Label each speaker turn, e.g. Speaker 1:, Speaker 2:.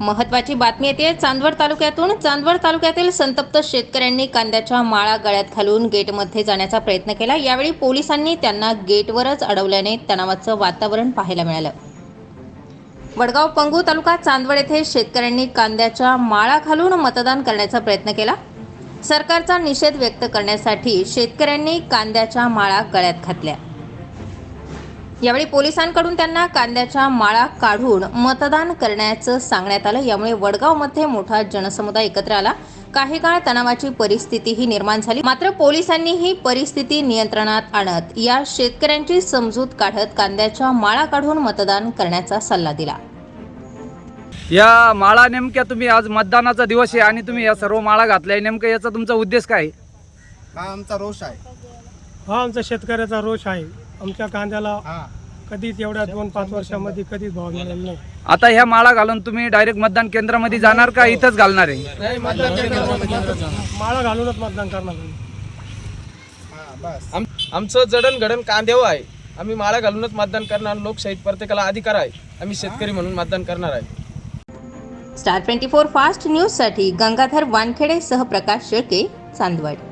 Speaker 1: महत्त्वाची बातमी येते चांदवड तालुक्यातून। चांदवड तालुक्यातील संतप्त शेतकऱ्यांनी कांद्याच्या माळा गळ्यात घालून गेटमध्ये जाण्याचा प्रयत्न केला। यावेळी पोलिसांनी त्यांना गेटवरच अडवल्याने तणावाचं वातावरण पाहायला मिळालं। वडगाव पंगू तालुका चांदवड येथे शेतकऱ्यांनी कांद्याच्या माळा घालून मतदान करण्याचा प्रयत्न केला। सरकारचा निषेध व्यक्त करण्यासाठी शेतकऱ्यांनी कांद्याच्या माळा गळ्यात घातल्या। यावेळी पोलिसांकडून त्यांना कांद्याच्या माळा काढून मतदान करण्याचं सांगण्यात आलं। यामुळे वडगावमध्ये मोठा जनसमुदाय एकत्र आला। काही काळ तणावाची परिस्थितीही निर्माण झाली, मात्र पोलिसांनी ही परिस्थिती नियंत्रणात आणत या शेतकऱ्यांची समजूत काढत कांद्याच्या माळा काढून मतदान करण्याचा सल्ला दिला।
Speaker 2: या माळा नेमक्या तुम्ही आज मतदानाचा दिवस आहे आणि तुम्ही या सर्व माळा घातल्या, नेमकं याचा तुमचा उद्देश काय आहे?
Speaker 3: हा आमचा रोष आहे।
Speaker 4: हा आमचा शेतकऱ्याचा रोष आहे। आमच्या कांद्याला कधीच एवढ्या 2-5 वर्षांमध्ये कधीच भाव मिळाला नाही।
Speaker 2: आता ह्या माळा घालून तुम्ही डायरेक्ट मतदान केंद्रामध्ये जाणार का इथंच घालणार आहे?
Speaker 4: माळा घालूनच मतदान करणार आहे।
Speaker 5: आमचं जडणघडण कांद्यावर आहे। आम्ही माळा घालूनच मतदान करणार। लोकशाहीत प्रत्येकाला अधिकार आहे। आम्ही शेतकरी म्हणून मतदान करणार आहे।
Speaker 1: स्टार 24 फास्ट न्यूज साठी गंगाधर वानखेडे सह प्रकाश शेळके, चांदवड।